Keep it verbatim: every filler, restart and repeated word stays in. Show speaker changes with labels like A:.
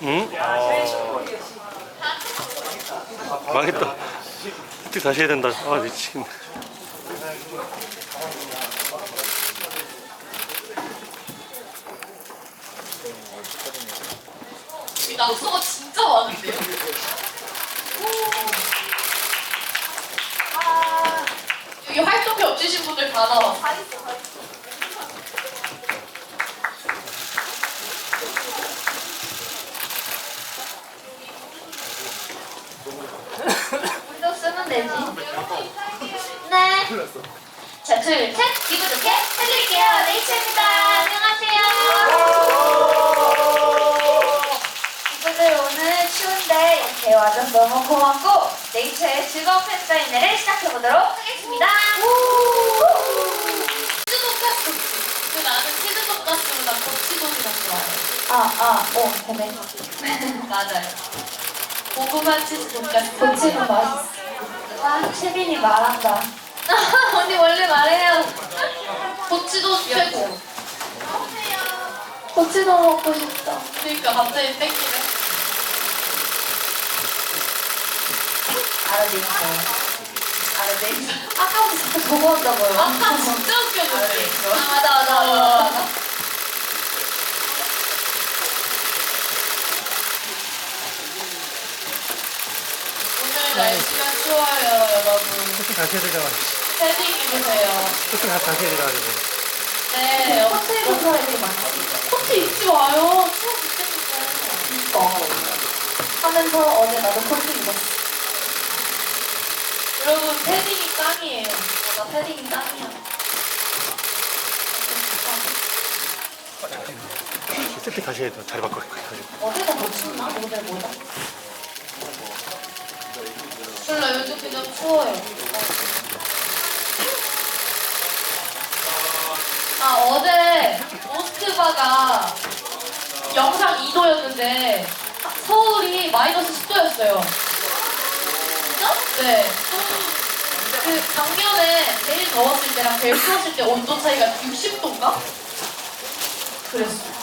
A: 응? 망했다. 어떻게 다시 해야 된다. 아 미치겠네.
B: 이 낙서가 진짜 많은데요? 아, 여기 활동이 없으신 분들 다 나와. 다 있어, 다 있어.
C: 운동 쓰면 되지. 네. 자, 둘, 셋. 기분 좋게 해드릴게요. 네이처입니다. 안녕하세요. 친구들 오늘 추운데 이렇게 와줘서 너무 고맙고 네이처의 즐거운 팬사인회를 시작해보도록 하겠습니다.
B: 치즈 돈가스. 근데 나는 치즈 돈가스보다 고치돈이 더 좋아해.
C: 아, 아, 오, 되네.
B: 맞아요. 고구마 치즈 돈가스.
C: 고치는 맛있어. 아, 채빈이 말한다.
B: 언니 원래 말해요. 고치돈 최고.
C: 고치도 먹고 싶다.
B: 그러니까 갑자기 땡기네.
C: 알아듣겠어요. 알아듣겠어요. 아까부터 자꾸 저거 한다고요.
B: 아까 진짜 웃겼는데.
C: 아, 맞아, 맞아, 맞아.
B: 오늘 날씨가 추워요, 여러분.
A: 어떻게 다시 해야 되잖아.
B: 패딩 입으세요.
A: 어떻게 다시 해야 되잖아.
B: 네,
C: 호텔 근처에 이렇게 많지.
B: 코트 입지 마요. 추워 죽겠는데.
C: 어. 하면서 어제 나도 코트 입었어.
B: 여러분, 패딩이 짱이에요.
C: 나 패딩이 짱이야.
A: 세팅 다시 해야 돼. 자리 바꿔.
C: 어제가 더 춥나? 오늘 뭐다?
B: 몰라, 요즘 그냥 추워요. 아, 어제 모스크바가 영상 이 도였는데 서울이 마이너스 십 도였어요. 진짜? 네. 그 작년에 제일 더웠을 때랑 제일 추웠을 때 온도 차이가 육십 도인가? 그랬어.